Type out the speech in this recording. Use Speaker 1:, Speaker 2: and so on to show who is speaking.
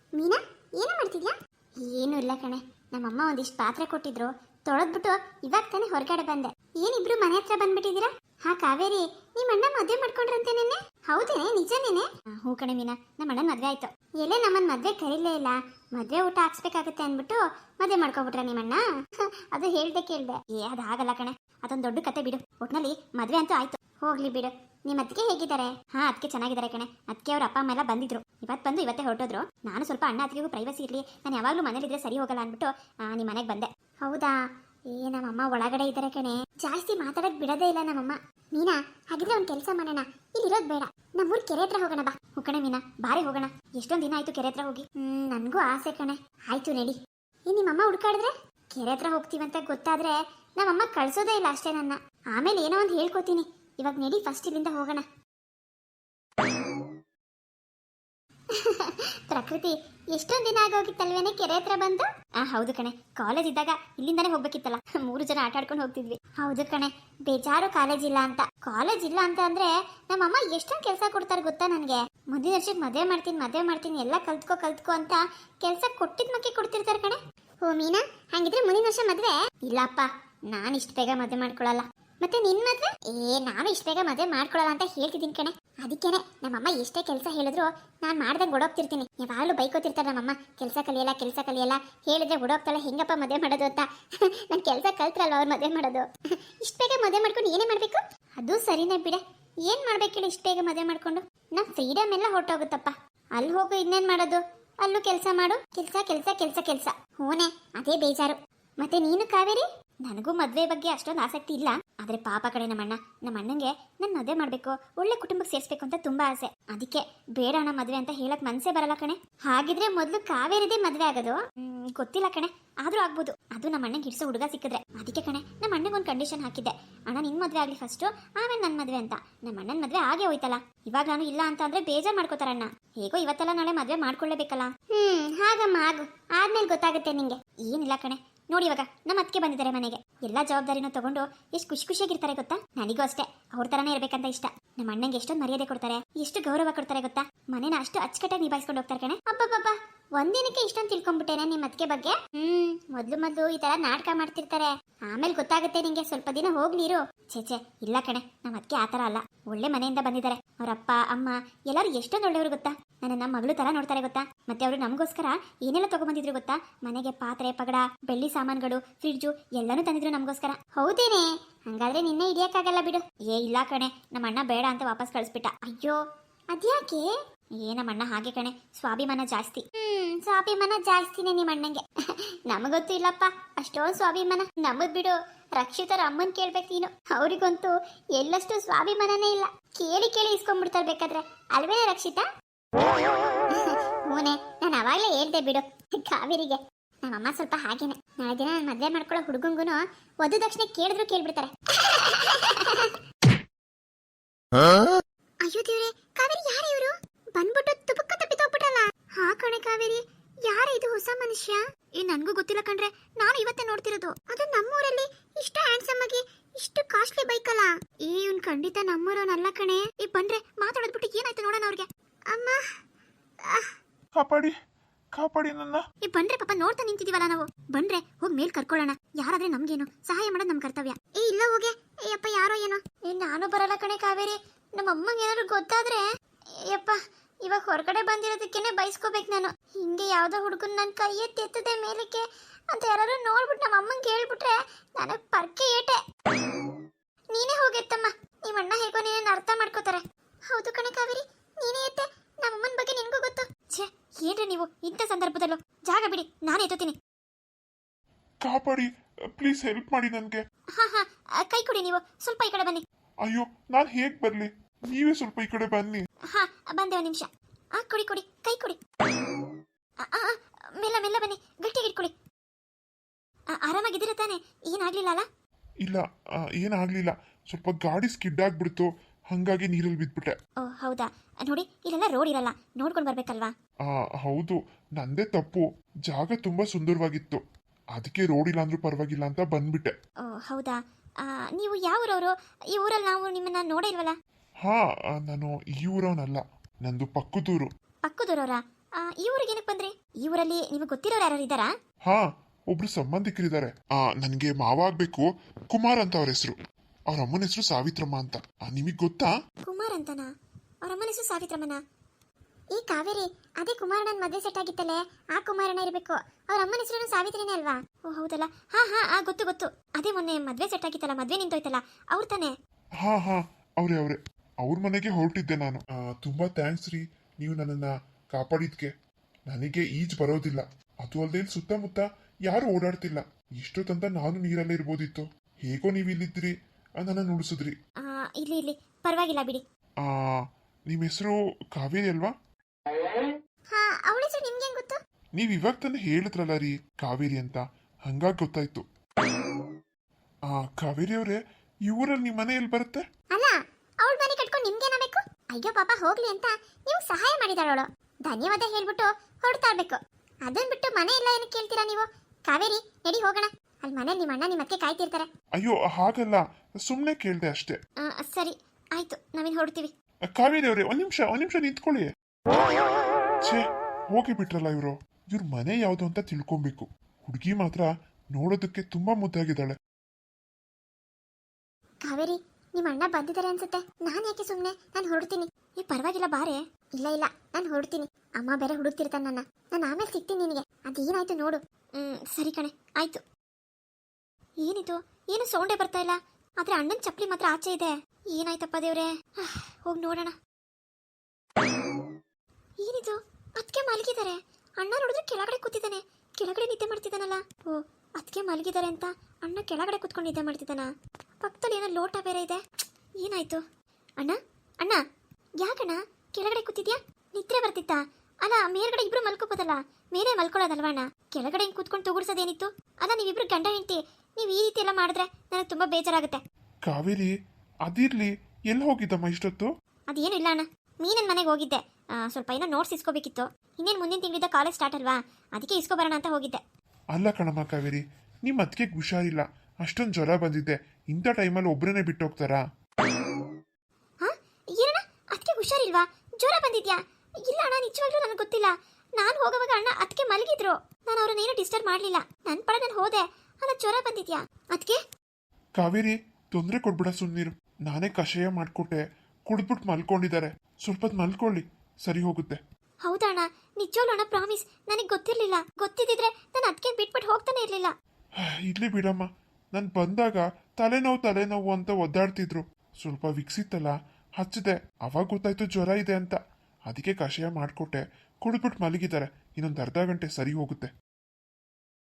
Speaker 1: ಮೀನಾ, ಏನು ಮಾಡ್ತಿದ್ಯಾ? ಏನು ಇಲ್ಲ ಕಣೆ, ನಮ್ಮಮ್ಮ ಒಂದಿಷ್ಟು ಪಾತ್ರೆ ಕೊಟ್ಟಿದ್ರು, ತೊಳೆದ್ಬಿಟ್ಟು ಇವಾಗ ತಾನೇ ಹೊರಗಡೆ ಬಂದೆ. ಏನಿಬ್ರು ಮನೆ ಹತ್ರ ಬಂದ್ಬಿಟ್ಟಿದ್ದೀರಾ? ಹಾ ಕಾವೇರಿ, ನಿಮ್ಮ ಅಣ್ಣ ಮದುವೆ ಮಾಡ್ಕೊಂಡ್ರಂತೆ ನೆನ್ನೆ? ಹೌದೇನೆ, ನಿಜನೇನೆ? ಹ್ಞೂ ಕಣೆ ಮೀನಾ, ನಮ್ಮ ಅಣ್ಣನ ಮದುವೆ ಆಯ್ತು. ಎಲ್ಲೇ ನಮ್ಮನ್ನ ಮದುವೆ ಕರೀಲೇ ಇಲ್ಲ, ಮದುವೆ ಊಟ ಹಾಕ್ಸ್ಬೇಕಾಗತ್ತೆ ಅಂದ್ಬಿಟ್ಟು ಮದುವೆ ಮಾಡ್ಕೊಬಿಟ್ರ ನಿಮ್ಮಣ್ಣ? ಅದು ಹೇಳ್ದೆ ಕೇಳ್ದೆ. ಅದಾಗಲ್ಲ ಕಣೆ, ಅದೊಂದು ದೊಡ್ಡ ಕತೆ ಬಿಡು. ಒಟ್ನಲ್ಲಿ ಮದುವೆ ಅಂತೂ ಆಯ್ತು, ಹೋಗ್ಲಿ ಬಿಡು. ನಿಮ್ಮ ಅತ್ತಿಗೆ ಹೇಗಿದ್ದಾರೆ? ಹಾ, ಅದಕ್ಕೆ ಚೆನ್ನಾಗಿದ್ದಾರೆ ಕಣೆ. ಅದಕ್ಕೆ ಅವ್ರ ಅಪ್ಪ ಅಮ್ಮ ಎಲ್ಲ ಬಂದಿದ್ರು, ಬಂದು ಇವತ್ತೇ ಹೊರಟೋದ್ರು. ನಾನು ಸ್ವಲ್ಪ ಅಣ್ಣ ಅತ್ತಿಗೆಗೂ ಪ್ರೈವಸಿ ಇರಲಿ, ನಾನು ಯಾವಾಗಲೂ ಮನೇಲಿದ್ರೆ ಸರಿ ಹೋಗಲ್ಲ ಅಂದ್ಬಿಟ್ಟು ನಿಮ್ಮ ಮನೆಗೆ ಬಂದೆ. ಹೌದಾ? ನಮ್ಮಮ್ಮ ಒಳಗಡೆ ಇದ್ದಾರೆ ಕಣೆ, ಜಾಸ್ತಿ ಮಾತಾಡಕ್ ಬಿಡೋದೇ ಇಲ್ಲ ನಮ್ಮಮ್ಮ. ಮೀನಾ, ಹಾಗಿದ್ರೆ ಒಂದು ಕೆಲಸ ಮಾಡೋಣ, ಇಲ್ಲಿರೋದು ಬೇಡ, ನಮ್ಮೂರ್ ಕೆರೆ ಹತ್ರ ಹೋಗೋಣ ಬಾ. ಕಣೆ ಮೀನಾ, ಬಾರಿ ಹೋಗೋಣ. ಎಷ್ಟೊಂದು ದಿನ ಆಯ್ತು ಕೆರೆ ಹತ್ರ ಹೋಗಿ. ನನಗೂ ಆಸೆ ಕಣೆ. ಆಯ್ತು ನಡಿ. ನಿಮ್ಮಮ್ಮ ಹುಡ್ಕಾಡಿದ್ರೆ ಕೆರೆ ಹತ್ರ ಹೋಗ್ತೀವಂತ ಗೊತ್ತಾದ್ರೆ ನಮ್ಮಮ್ಮ ಕಳ್ಸೋದೇ ಇಲ್ಲ ಅಷ್ಟೇ ನನ್ನ. ಆಮೇಲೆ ಏನೋ ಒಂದು ಹೇಳ್ಕೊತೀನಿ. ಇವಾಗ ನಡಿ, ಫಸ್ಟ್ ಇಲ್ಲಿಂದ ಹೋಗೋಣ. ಪ್ರಕೃತಿ, ಎಷ್ಟೊಂದು ದಿನ ಆಗೋಗಿತ್ತಲ್ವೇನೆ ಕೆರೆ ಹತ್ರ ಬಂದು? ಹೌದು ಕಣೆ, ಕಾಲೇಜ್ ಇದ್ದಾಗ ಇಲ್ಲಿಂದಾನೇ ಹೋಗ್ಬೇಕಿತ್ತಲ್ಲ, 3 ಜನ ಆಟ ಆಡ್ಕೊಂಡು ಹೋಗ್ತಿದ್ವಿ. ಹೌದು ಕಣೆ, ಬೇಜಾರು ಕಾಲೇಜ್ ಇಲ್ಲ ಅಂತ. ಕಾಲೇಜ್ ಇಲ್ಲ ಅಂತ ಅಂದ್ರೆ ನಮ್ಮಮ್ಮ ಎಷ್ಟೊಂದು ಕೆಲಸ ಕೊಡ್ತಾರೆ ಗೊತ್ತಾ ನನಗೆ. ಮುಂದಿನ ವರ್ಷಕ್ಕೆ ಮದುವೆ ಮಾಡ್ತೀನಿ ಎಲ್ಲ ಕಲ್ತ್ಕೋ ಅಂತ ಕೆಲಸ ಕೊಟ್ಟಿದ್ ಮಕ್ಕಿ ಕೊಡ್ತಿರ್ತಾರೆ ಕಣೆ. ಓ ಮೀನಾ, ಹಂಗಿದ್ರೆ ಮುಂದಿನ ವರ್ಷ ಮದ್ವೆ? ಇಲ್ಲಪ್ಪ, ನಾನು ಇಷ್ಟು ಬೇಗ ಮದುವೆ ಮಾಡ್ಕೊಳಲ್ಲ. ಮತ್ತೆ ನಿನ್ ಮದ್ವೆ? ನಾನು ಇಷ್ಟು ಬೇಗ ಮದುವೆ ಮಾಡ್ಕೊಳಲ್ಲ ಅಂತ ಹೇಳ್ತಿದ್ದೀನಿ ಕಣೆ. ಅದಕ್ಕೇನೆ ನಮ್ಮಮ್ಮ ಎಷ್ಟೇ ಕೆಲಸ ಹೇಳಿದ್ರು ನಾನು ಮಾಡ್ದಂಗೆ ಓಡೋಗ್ತಿರ್ತೀನಿ. ಯಾವಾಗಲೂ ಬೈಕೋತಿರ್ತಾರೆ ನಮ್ಮಮ್ಮ, ಕೆಲಸ ಕಲಿಯಲ್ಲ ಹೇಳಿದ್ರೆ ಓಡೋಗ್ತಾಳೆ, ಹೆಂಗಪ್ಪ ಮದುವೆ ಮಾಡೋದು ಅಂತ. ನಾನು ಕೆಲಸ ಕಲ್ತ್ರಲ್ವ ಅವ್ರು ಮದುವೆ ಮಾಡೋದು. ಇಷ್ಟು ಬೇಗ ಮದುವೆ ಮಾಡ್ಕೊಂಡು ಏನೇ ಮಾಡಬೇಕು? ಅದು ಸರಿನೇ ಬಿಡೆ, ಏನು ಮಾಡ್ಬೇಕು ಹೇಳಿ? ಇಷ್ಟು ಬೇಗ ಮದುವೆ ಮಾಡ್ಕೊಂಡು ನಮ್ಮ ಫ್ರೀಡಮ್ ಎಲ್ಲ ಹೊರಟೋಗುತ್ತಪ್ಪ. ಅಲ್ಲಿ ಹೋಗು, ಇನ್ನೇನು ಮಾಡೋದು? ಅಲ್ಲೂ ಕೆಲಸ ಮಾಡು, ಕೆಲಸ. ಹೂನೆ, ಅದೇ ಬೇಜಾರು. ಮತ್ತೆ ನೀನು ಕಾವೇರಿ? ನನಗೂ ಮದುವೆ ಬಗ್ಗೆ ಅಷ್ಟೊಂದು ಆಸಕ್ತಿ ಇಲ್ಲ, ಆದ್ರೆ ಪಾಪ ಕಡೆ ನಮ್ಮ ಅಣ್ಣಂಗೆ ನನ್ನ ಮದುವೆ ಮಾಡಬೇಕು, ಒಳ್ಳೆ ಕುಟುಂಬಕ್ಕೆ ಸೇರಿಸಬೇಕು ಅಂತ ತುಂಬಾ ಆಸೆ. ಅದಕ್ಕೆ ಬೇಡ ಅಣ್ಣ ಮದುವೆ ಅಂತ ಹೇಳಕ್ ಮನಸ್ಸೇ ಬರಲ್ಲ ಕಣೆ. ಹಾಗಿದ್ರೆ ಮೊದಲು ಕಾವೇರಿದೇ ಮದುವೆ ಆಗೋದು? ಗೊತ್ತಿಲ್ಲ ಕಣೆ, ಆದ್ರೂ ಆಗ್ಬೋದು. ಅದು ನಮ್ಮ ಅಣ್ಣಂಗೆ ಹಿಡಿಸೋ ಹುಡುಗ ಸಿಕ್ಕಿದ್ರೆ. ಅದಕ್ಕೆ ಕಣೆ ನಮ್ಮ ಅಣ್ಣಗೆ ಒಂದು ಕಂಡೀಷನ್ ಹಾಕಿದ್ದೆ, ಅಣ್ಣ ನಿನ್ ಮದುವೆ ಆಗ್ಲಿ ಫಸ್ಟ್, ಆಮೇಲೆ ನನ್ನ ಮದುವೆ ಅಂತ. ನಮ್ಮ ಅಣ್ಣನ ಮದುವೆ ಆಗೇ ಹೋಯ್ತಲ್ಲ, ಇವಾಗ ನಾನು ಇಲ್ಲ ಅಂತ ಅಂದ್ರೆ ಬೇಜಾರ್ ಮಾಡ್ಕೋತಾರಣ್ಣ. ಹೇಗೋ ಇವತ್ತೆಲ್ಲ ನಾಳೆ ಮದುವೆ ಮಾಡ್ಕೊಳ್ಳೇಬೇಕಲ್ಲ. ಹಾಗಮ್ಮ, ಆಗು, ಆದ್ಮೇಲೆ ಗೊತ್ತಾಗುತ್ತೆ ನಿಂಗೆ. ಏನಿಲ್ಲ ಕಣೆ, ನೋಡಿ ಇವಾಗ ನಮ್ಮ ಅತ್ತಿಗೆ ಬಂದಿದ್ದಾರೆ ಮನೆಗೆ, ಎಲ್ಲಾ ಜವಾಬ್ದಾರಿನೂ ತಗೊಂಡು ಎಷ್ಟು ಖುಷಿಯಾಗಿರ್ತಾರೆ ಗೊತ್ತಾ. ನನಗೂ ಅಷ್ಟೇ ಅವ್ರ ತರಾನೇ ಇರ್ಬೇಕಂತ ಇಷ್ಟ. ನಮ್ಮ ಅಣ್ಣಂಗೆ ಎಷ್ಟೊಂದು ಮರ್ಯಾದೆ ಕೊಡ್ತಾರೆ, ಎಷ್ಟು ಗೌರವ ಕೊಡ್ತಾರೆ ಗೊತ್ತಾ. ಮನೇನ ಅಷ್ಟು ಅಚ್ಚುಕಟ್ಟಾಗಿ ನಿಭಾಯಿಸ್ಕೊಂಡು ಹೋಗ್ತಾರೆ ಕಣೆ. ಅಬ್ಬಬ್ಬಬ್ಬ, ಒಂದಿನಕ್ಕೆ ಇಷ್ಟೊಂದು ತಿಳ್ಕೊಂಡ್ಬಿಟ್ಟೇನೆ ನಿಮ್ಮ ಅತ್ತಿಗೆ ಬಗ್ಗೆ. ಮೊದ್ಲು ಈ ತರ ನಾಟಕ ಮಾಡ್ತಿರ್ತಾರೆ, ಆಮೇಲೆ ಗೊತ್ತಾಗುತ್ತೆ ನಿಂಗೆ. ಸ್ವಲ್ಪ ದಿನ ಹೋಗ್ಲಿರು. ಛೇ ಇಲ್ಲ ಕಣೆ, ನಮ್ಮ ಅತ್ತಿಗೆ ಆತರ ಅಲ್ಲ, ಒಳ್ಳೆ ಮನೆಯಿಂದ ಬಂದಿದ್ದಾರೆ. ಅವ್ರ ಅಪ್ಪ ಅಮ್ಮ ಎಲ್ಲರೂ ಎಷ್ಟೊಂದು ಒಳ್ಳೆಯವರು ಗೊತ್ತಾ. ನನ್ನ ಮಗಳು ತರ ನೋಡ್ತಾರೆ ಗೊತ್ತಾ. ಮತ್ತೆ ಅವರು ನಮಗೋಸ್ಕರ ಏನೆಲ್ಲ ತಗೊಂಡ್ಬಂದಿದ್ರು ಗೊತ್ತಾ. ಮನೆಗೆ ಪಾತ್ರೆ ಪಗಡ, ಬೆಳ್ಳಿ ಸಾಮಾನುಗಳು, ಫ್ರಿಡ್ಜು ಎಲ್ಲಾನು ತಂದಿದ್ರು ನಮಗೋಸ್ಕರ. ಹೌದೇನೆ? ಹಂಗಾದ್ರೆ ನಿನ್ನೆ ಹಿಡಿಯಕ್ಕಾಗಲ್ಲ ಬಿಡು. ಇಲ್ಲ ಕಣೆ, ನಮ್ಮ ಅಣ್ಣ ಬೇಡ ಅಂತ ವಾಪಸ್ ಕಳಿಸ್ಬಿಟ್ಟ. ಅಯ್ಯೋ, ಅದ್ಯಾಕೆ? ನಮ್ಮ ಅಣ್ಣ ಹಾಗೆ ಕಣೆ, ಸ್ವಾಭಿಮಾನ ಜಾಸ್ತಿ. ಸ್ವಾಭಿಮಾನ ಜಾಸ್ತಿನೇ ನಿಮ್ಮ ಅಣ್ಣಂಗೆ. ನಮಗೊತ್ತು ಇಲ್ಲಪ್ಪ ಅಷ್ಟೊಂದು ಸ್ವಾಭಿಮಾನ. ನಮಗ್ ಬಿಡು, ರಕ್ಷಿತರ ಅಮ್ಮನ್ ಕೇಳ್ಬೇಕು ನೀನು. ಅವ್ರಿಗಂತೂ ಎಲ್ಲಷ್ಟು ಸ್ವಾಭಿಮಾನನೇ ಇಲ್ಲ. ಕೇಳಿ ಇಸ್ಕೊಂಡ್ಬಿಡ್ತಾರೆ ಬೇಕಾದ್ರೆ, ಅಲ್ವೇ ರಕ್ಷಿತಾ? ಹೂನೆ, ನಾನು ಅವಾಗಲೇ ಹೇಳ್ದೆ ಬಿಡು ಕಾವೇರಿಗೆ. ನಮ್ಮಮ್ಮ ಸ್ವಲ್ಪ ಹಾಗೇನೆ. ನಾಳೆ ದಿನ ನಾನು ಮದುವೆ ಮಾಡ್ಕೊಳ್ಳೋ ಹುಡುಗಂಗುನು ವಧು ದಕ್ಷಿಣೆ ಕೇಳ್ಬಿಡ್ತಾರೆ. ಅಯ್ಯೋ ದೇವ್ರೆ, ಕಾವೇರಿ ಯಾರು ಇವರು? ಬಂದ್ಬಿಟ್ಟು ತುಪಕ್ಕ ತಪ್ಪಿತೋಗ್ಬಿಟ್ಟಲ್ಲ. ಹಾ ಕಣೆ ಕಾವೇರಿ, ಯಾರ ಇದು ಹೊಸ ಮನುಷ್ಯ? ನನ್ಗೂ ಗೊತ್ತಿಲ್ಲ ಕಣ್ರೆ, ನಾನು ಇವತ್ತೇ ನೋಡ್ತಿರೋದು. ಅದು ನಮ್ಮೂರಲ್ಲಿ ಇಷ್ಟು ಹ್ಯಾಂಡ್ಸಮ್ ಆಗಿ ಇಷ್ಟು ಕಾಸ್ಟ್ಲಿ ಬೈಕ್ ಅಲ್ಲ. ಇವ್ನ್ ಖಂಡಿತ ನಮ್ಮೂರವನಲ್ಲ ಕಣೆ. ಬಂದ್ರೆ ಮಾತಾಡೋದ್ಬಿಟ್ಟು ಏನಾಯ್ತು ನೋಡೋಣ ಅವ್ರಿಗೆ. ಅಮ್ಮ,
Speaker 2: ಕಾಪಾಡಿ ನನ್ನ.
Speaker 1: ಬಂದ್ರೆ ಪಾಪ ನೋಡ್ತಾ ನಿಂತಿದೀವಲ್ಲ ನಾವು. ಬಂದ್ರೆ ಹೋಗ್ ಮೇಲ್ ಕರ್ಕೊಳ್ಳೋಣ. ಯಾರಾದ್ರೆ ನಮ್ಗೇನು, ಸಹಾಯ ಮಾಡೋದು ನಮ್ ಕರ್ತವ್ಯ. ಇಲ್ಲ ಹೋಗೆ. ಅಯ್ಯಪ್ಪ, ಯಾರೋ ಏನೋ. ನಾನು ಬರಲ್ಲ ಕಣೆ ಕಾವೇರಿ, ನಮ್ಮ ಅಮ್ಮಂಗೆ ಏನಾದ್ರು ಗೊತ್ತಾದ್ರೆ ಅಯ್ಯಪ್ಪ, ಇವಾಗ ಹೊರಗಡೆ ಬಂದಿರೋದಕ್ಕೇನೆ ಬೈಸ್ಕೋಬೇಕು ನಾನು. ಹಿಂಗೆ ಯಾವ್ದೋ ಹುಡುಗನ್ ನನ್ನ ಕೈ ಎತ್ತಿದೆ ಮೇಲಕ್ಕೆ ಅಂತ ಯಾರು ನೋಡ್ಬಿಟ್ಟು ನಮ್ಮ ಅಮ್ಮಂಗೆ ಹೇಳ್ಬಿಟ್ರೆ ನನಗ್ ಪರ್ಕೆ ಏಟೆ. ನೀನೇ ಹೋಗೆತ್ತಮ್ಮ, ನಿಮ್ಮ ಅಣ್ಣ ಹೇಗೋ ನೀನೇನು ಅರ್ಥ ಮಾಡ್ಕೋತಾರೆ. ಹೌದು ಕಣೆ ಕಾವೇರಿ, ನೀನೇ ಎತ್ತೆ. ನಮ್ಮಮ್ಮನ ಬಗ್ಗೆ ನಿನ್ಗೂ ಗೊತ್ತು. ಛೇ, ಏನ್ರಿ ನೀವು ಇಂಥ ಸಂದರ್ಭದಲ್ಲೂ? ಜಾಗ ಬಿಡಿ, ನಾನು ಎತ್ತುತ್ತೀನಿ.
Speaker 2: ಕಾಪಾಡಿ, ಪ್ಲೀಸ್ ಹೆಲ್ಪ್ ಮಾಡಿ ನನ್ಗೆ.
Speaker 1: ಹಾ, ಕೈ ಕೊಡಿ. ನೀವು ಸ್ವಲ್ಪ ಈ ಕಡೆ ಬನ್ನಿ.
Speaker 2: ಅಯ್ಯೋ, ನಾನ್ ಹೇಗ್ ಬರ್ಲಿ? ನೀವೇ ಸ್ವಲ್ಪ ಈ ಕಡೆ ಬನ್ನಿ.
Speaker 1: ಹಾ, ಬಂದೆ, ಒಂದ್ ನಿಮಿಷ. ಕೊಡಿ, ಕೈ ಕೊಡಿ. ಮೆಲ್ಲ ಬನ್ನಿ, ಗಟ್ಟಿಯಾಗಿ ಇಟ್ಕೊಳ್ಳಿ. ಆರಾಮಾಗಿದ್ದೀರ ತಾನೆ? ಏನಾಗ್ಲಿಲ್ಲ ಅಲ್ಲ?
Speaker 2: ಇಲ್ಲ, ಏನಾಗ್ಲಿಲ್ಲ. ಸ್ವಲ್ಪ ಗಾಡಿ ಸ್ಕಿಡ್ ಆಗ್ಬಿಡ್ತು, ಹಂಗಾಗಿ ನೀರಲ್ಲಿ ಬಿದ್ಬಿಟ್ಟೆ.
Speaker 1: ಓ ಹೌದಾ? ನೋಡಿ, ಇಲ್ಲೆಲ್ಲ ರೋಡ್ ಇರಲ್ಲ, ನೋಡ್ಕೊಂಡು ಬರ್ಬೇಕಲ್ವಾ?
Speaker 2: ಹೌದು, ನಂದೇ ತಪ್ಪು. ಜಾಗ ತುಂಬಾ ಸುಂದರವಾಗಿತ್ತು, ಅದಕ್ಕೆ ರೋಡ್ ಇಲ್ಲ ಅಂದ್ರೂ ಪರವಾಗಿಲ್ಲ ಅಂತ ಬಂದ್ಬಿಟ್ಟೆ.
Speaker 1: ಓ ಹೌದಾ? ನೀವು ಯಾವ ಊರವರು? ಈ ಊರಲ್ಲಿ ನಾವು ನಿಮ್ಮನ್ನ ನೋಡೇ ಇಲ್ವಲ್ಲ?
Speaker 2: ಹಾ, ನಾನು ಈ ಊರವನಲ್ಲ, ನಂದು ಪಕ್ಕದೂರು.
Speaker 1: ಪಕ್ಕದೂರವರಾ? ಈ ಊರಿಗೆ ಏನಕ್ಕೆ ಬಂದ್ರಿ? ಈ ಊರಲ್ಲಿ ನಿಮಗೆ ಗೊತ್ತಿರೋರು ಯಾರು ಇದ್ದಾರಾ?
Speaker 2: ಹಾ, ಒಬ್ರು ಸಂಬಂಧಿಕರಿದ್ದಾರೆ. ನನಗೆ ಮಾವ ಆಗ್ಬೇಕು. ಕುಮಾರ್ ಅಂತ ಅವ್ರ ಹೆಸರು. ಅವ್ರ ಅಮ್ಮನ ಹೆಸರು ಸಾವಿತ್ರಮ್ಮ ಅಂತ. ನಿಮಗ್ ಗೊತ್ತಾ?
Speaker 1: ಕುಮಾರ್ ಅಂತನಾ? ಅವ್ರ ಅಮ್ಮನ ಹೆಸರು ಸಾವಿತ್ರಮ್ಮನ? ಈ ಕಾವೇರಿ, ಅದೇ ಕುಮಾರಣ್ಣನ ಮದುವೆ ಸೆಟ್ ಆಗಿತ್ತಲ್ಲೇ, ಆ ಕುಮಾರಣ್ಣ ಇರಬೇಕು. ಅವ್ರ ಅಮ್ಮನ ಹೆಸರು ಸಾವಿತ್ರಿನೇ ಅಲ್ವಾ? ಓ ಹೌದಲ್ಲ. ಹಾ ಹಾ ಗೊತ್ತು ಗೊತ್ತು. ಅದೇ ಮೊನ್ನೆ ಮದುವೆ ಸೆಟ್ ಆಗಿತ್ತಲ್ಲ, ಮದುವೆ ನಿಂತೋಯ್ತಲ್ಲ, ಅವ್ರು ತಾನೇ?
Speaker 2: ಹಾ ಹಾ, ಅವ್ರೆ. ಅವ್ರ ಮನೆಗೆ ಹೊರಟಿದ್ದೆ ನಾನು. ತುಂಬಾ ಥ್ಯಾಂಕ್ಸ್ ರೀ, ನೀವು ನನ್ನನ್ನ ಕಾಪಾಡಿದ್ಕೆ. ನನಗೆ ಈಜ್ ಬರೋದಿಲ್ಲ. ಅದು ಅಲ್ಲದೆ ಇಲ್ಲಿ ಸುತ್ತಮುತ್ತ ಯಾರು ಓಡಾಡ್ತಿಲ್ಲ. ಇಷ್ಟೊತ್ತಂತ ನಾನು ನೀರಲ್ಲೇ ಇರ್ಬೋದಿತ್ತು. ಹೇಗೋ ನೀವು ಇಲ್ಲಿದ್ರಿ, ನನ್ನ ಉಳಿಸಿದ್ರಿ.
Speaker 1: ಇಲ್ಲಿ ಇಲ್ಲಿ ಪರವಾಗಿಲ್ಲ ಬಿಡಿ.
Speaker 2: ನಿಮ್ಮ ಹೆಸರು ಕಾವೇರಿ ಅಲ್ವಾ?
Speaker 1: ಹಾ, ಅವಳ ಹೆಸರು ನಿಮ್ಗೆ ಹೆಂಗ್ ಗೊತ್ತು?
Speaker 2: ನೀವ್ ಇವಾಗ ತಾನೇ ಹೇಳಿದ್ರಲ್ಲ ರೀ ಕಾವೇರಿ ಅಂತ, ಹಂಗಾಗಿ ಗೊತ್ತಾಯ್ತು. ಕಾವೇರಿ ಅವರೇ, ಈ ಊರಲ್ಲಿ ನಿಮ್ಮ ಮನೆ ಎಲ್ಲಿ ಬರುತ್ತೆ?
Speaker 1: ಅಲ್ಲ, ಅವಳ ಮನೆ ಕಟ್ಕೊಂಡು ನಿಮ್ಗೇನಾಗಬೇಕು? ಅಯ್ಯೋ ಪಾಪ, ಹೋಗ್ಲಿ ಅಂತ ನೀವು ಸಹಾಯ ಮಾಡಿದಾಳವಳು. ಧನ್ಯವಾದ ಹೇಳ್ಬಿಟ್ಟು ಹೊರಡ್ತಾ ಇರ್ಬೇಕು. ಅದನ್ ಬಿಟ್ಟು ಮನೆ ಇಲ್ಲ ಏನಕ್ಕೆ ಕೇಳ್ತೀರಾ ನೀವು? ಕಾವೇರಿ, ನಡಿ ಹೋಗೋಣ. ಅಲ್ಲಿ ಮನೇಲಿ ನಿಮ್ಮ ಅಣ್ಣ ನಿಮ್ಮ ಅತ್ತೆ ಕಾಯ್ತಿರ್ತಾರೆ.
Speaker 2: ಅಯ್ಯೋ ಹಾಗಲ್ಲ, ಸುಮ್ಮನೆ ಕೇಳ್ದೆ ಅಷ್ಟೇ.
Speaker 1: ಸರಿ ಆಯ್ತು, ನಾವಿನ್ ಹೊರಡ್ತೀವಿ.
Speaker 2: ಕಾವೇರಿ ಅವರೇ, ಒಂದ್ ನಿಮಿಷ ನಿಂತ್ಕೊಳ್ಳಿ. ಛೇ, ಹೋಗಿ ಬಿಟ್ರಲ್ಲ ಇವ್ರು ಮನೆ ಯಾವ್ದು ಅಂತ ತಿಳ್ಕೊಬೇಕು. ಹುಡುಗಿ ಮಾತ್ರ ನೋಡೋದಕ್ಕೆ ತುಂಬಾ ಮುದ್ದಾಗಿದ್ದಾಳೆ.
Speaker 1: ಕಾವೇರಿ, ನಿಮ್ಮ ಅಣ್ಣ ಬಂದಿದ್ದಾರೆ ಅನ್ಸುತ್ತೆ. ನಾನು ಯಾಕೆ ಸುಮ್ಮನೆ, ನಾನು ಹೊರಡ್ತೀನಿ. ಪರವಾಗಿಲ್ಲ ಬಾರೆ. ಇಲ್ಲ ನಾನು ಹೊರಡ್ತೀನಿ. ಅಮ್ಮ ಬೇರೆ ಹುಡುಕ್ತಿರ್ತಾನೆ ನನ್ನ. ನಾನು ಆಮೇಲೆ ಸಿಗ್ತೀನಿ ನಿನಗೆ. ಅದೇನಾಯ್ತು ನೋಡು. ಸರಿ ಕಣೆ, ಆಯ್ತು. ಏನಿದು? ಏನು ಸೌಂಡೇ ಬರ್ತಾ ಇಲ್ಲ. ಆದ್ರೆ ಅಣ್ಣನ ಚಪ್ಪಲಿ ಮಾತ್ರ ಆಚೆ ಇದೆ. ಏನಾಯ್ತಪ್ಪ ದೇವ್ರೆ? ಹೋಗಿ ನೋಡೋಣ. ಏನಿದು? ಅದಕ್ಕೆ ಮಲಗಿದ್ದಾರೆ. ಅಣ್ಣ ನೋಡಿದ್ರೆ ಕೆಳಗಡೆ ಕೂತಿದ್ದಾನೆ. ಕೆಳಗಡೆ ನಿದ್ದೆ ಮಾಡ್ತಿದ್ದಾನಲ್ಲ. ಓ, ಅದಕ್ಕೆ ಮಲಗಿದ್ದಾರೆ ಅಂತ ಅಣ್ಣ ಕೆಳಗಡೆ ಕೂತ್ಕೊಂಡು ನಿದ್ದೆ ಮಾಡ್ತಿದ್ದಾನ. ಪಕ್ಕದಲ್ಲಿ ಏನೋ ಲೋಟ ಬೇರೆ ಇದೆ. ಏನಾಯ್ತು? ಅಣ್ಣ ಅಣ್ಣ, ಯಾಕಣ್ಣ ಕೆಳಗಡೆ ಕೂತಿದ್ಯಾ? ನಿದ್ರೆ ಬರ್ತಿತ್ತಾ? ಅಲ್ಲ, ಮೇಲ್ಗಡೆ ಇಬ್ರು ಮಲ್ಕೋಬೋದಲ್ಲ. ಮೇಲೆ ಮಲ್ಕೊಳ್ಳೋದಲ್ವಾ ಅಣ್ಣ? ಕೆಳಗಡೆ ಹಿಂಗೆ ಕೂತ್ಕೊಂಡು ತೂಗುಡ್ಸೋದೇನಿತ್ತು? ಅಲ್ಲ, ನೀವಿಬ್ರು ಗಂಡ ಹೆಂಡತಿ, ನೀವು ಈ ರೀತಿ ಎಲ್ಲ ಮಾಡಿದ್ರೆ ನನಗೆ ತುಂಬಾ ಬೇಜಾರಾಗುತ್ತೆ.
Speaker 2: ಕಾವೇರಿ, ಅದಿರ್ಲಿ, ಎಲ್ಲಿ ಹೋಗಿದ್ದಮ್ಮ ಇಷ್ಟೊತ್ತು?
Speaker 1: ಅದೇನು ಇಲ್ಲ ಅಣ್ಣ, ಮೀನನ ಮನೆಗೆ ಹೋಗಿದ್ದೆ. ಸ್ವಲ್ಪ ಏನೋ ನೋಟ್ಸ್ ಇಸ್ಕೋಬೇಕಿತ್ತು. ಇನ್ನೇನು ಮುಂದಿನ ತಿಂಗಳಿಂದ ಕಾಲೇಜ್ ಸ್ಟಾರ್ಟ್ ಅಲ್ವಾ, ಅದಕ್ಕೆ ಇಸ್ಕೊಬರೋಣ ಅಂತ ಹೋಗಿದ್ದೆ.
Speaker 2: ಅಲ್ಲ ಕಣಮ್ಮ ಕಾವೇರಿ, ನಿಮ್ಮ ಅದಕ್ಕೆ ಹುಷಾರಿಲ್ಲ. ಅಷ್ಟೊಂದು ಜ್ವರ ಬಂದಿದ್ದೆ. ಇಂಥ ಟೈಮಲ್ಲಿ ಒಬ್ಬರನ್ನೇ ಬಿಟ್ಟು ಹೋಗ್ತಾರಾ?
Speaker 1: ಹಾ, ಏನಣ್ಣ, ಅದಕ್ಕೆ ಹುಷಾರಿಲ್ವಾ? ಜ್ವರ ಬಂದಿದ್ಯಾ? ಇಲ್ಲ ಅಣ್ಣ, ನಿಜವಾಗ್ಲೂ ನನಗೆ ಗೊತ್ತಿಲ್ಲ. ನಾನು ಹೋಗುವಾಗ ಅಣ್ಣ ಅದಕ್ಕೆ ಮಲಗಿದ್ರು. ನಾನು ಅವ್ರನ್ನೇನು ಡಿಸ್ಟರ್ಬ್ ಮಾಡಲಿಲ್ಲ. ನನ್ನ ಪಡೆ ನಾನು ಹೋದೆ. ಅಲ್ಲ, ಜ್ವರ ಬಂದಿದ್ಯಾ ಅದಕ್ಕೆ?
Speaker 2: ಕಾವೇರಿ, ತೊಂದರೆ ಕೊಡ್ಬಿಡ, ಸುಮ್ಮನಿರು. ನಾನೇ ಕಷಾಯ ಮಾಡ್ಕೊಟ್ಟೆ, ಕುಡಿದ್ಬಿಟ್ಟು ಮಲ್ಕೊಂಡಿದ್ದಾರೆ. ಸ್ವಲ್ಪ ಹೊತ್ತು ಮಲ್ಕೊಳ್ಳಿ, ಸರಿ ಹೋಗುತ್ತೆ.
Speaker 1: ಹೌದಾ ಅಣ್ಣ? ನಿಜವಾಗ್ಲೂ ಅಣ್ಣ, ಪ್ರಾಮಿಸ್. ನನಗೆ ಗೊತ್ತಿರಲಿಲ್ಲ. ಗೊತ್ತಿದ್ದಿದ್ರೆ ನಾನು ಅದಕ್ಕೆ ಬಿಟ್ಬಿಟ್ಟು ಹೋಗ್ತಾನೆ ಇರಲಿಲ್ಲ.
Speaker 2: ಇರ್ಲಿ ಬಿಡಮ್ಮ. ನಾನು ಬಂದಾಗ ತಲೆನೋವು ಅಂತ ಒದ್ದಾಡ್ತಿದ್ರು. ಸ್ವಲ್ಪ ವಿಕ್ಸಿತ್ತಲ್ಲ, ಹಚ್ಚಿದೆ. ಅವಾಗ ಗೊತ್ತಾಯ್ತು ಜ್ವರ ಇದೆ ಅಂತ. ಅದಕ್ಕೆ ಕಷಾಯ ಮಾಡ್ಕೊಟ್ಟೆ, ಕುಡಿದ್ಬಿಟ್ಟು ಮಲಗಿದ್ದಾರೆ. ಇನ್ನೊಂದು ಅರ್ಧ ಗಂಟೆ ಸರಿ ಹೋಗುತ್ತೆ.